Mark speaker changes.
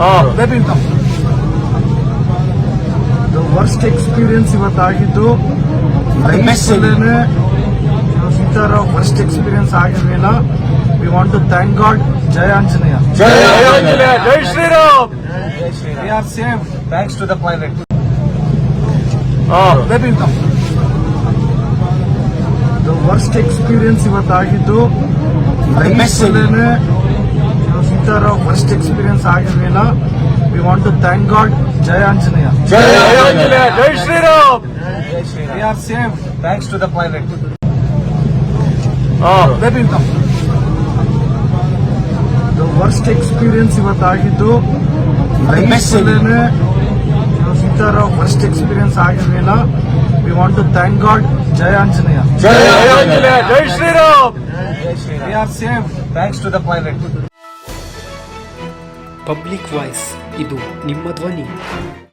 Speaker 1: Worst experience ಇವತ್ತಾಗಿದ್ದು ಸೀತಾರ worst experience ಆಗಿರ್ಲಿಲ್ಲ. We want to thank God. ಜಯ ಆಂಜನೇಯ.
Speaker 2: ಜೈ Shriram.
Speaker 1: We are safe thanks to the pilot. Worst experience ಇವತ್ತಾಗಿದ್ದು ಸೀತಾರ ವರ್ಸ್ಟ್ ಎಕ್ಸ್ಪೀರಿಯನ್ಸ್ ಆಗಿರ್ಲಿಲ್ಲ. We want to thank God. ಜಯ ಆಂಜನೇಯ.
Speaker 2: ಜೈ Shriram.
Speaker 1: We are safe thanks to the pilot. Worst experience ಇವತ್ತಾಗಿದ್ದು ಸೀತಾರ ವರ್ಸ್ಟ್ ಎಕ್ಸ್ಪೀರಿಯನ್ಸ್ ಆಗಿರ್ಲಿಲ್ಲ. We want to thank God. ಜಯ ಆಂಜನೇಯ.
Speaker 2: ಜೈ Shriram.
Speaker 1: We are safe thanks to the pilot.
Speaker 3: Public voice, ಇದು ನಿಮ್ಮ ಧ್ವನಿ.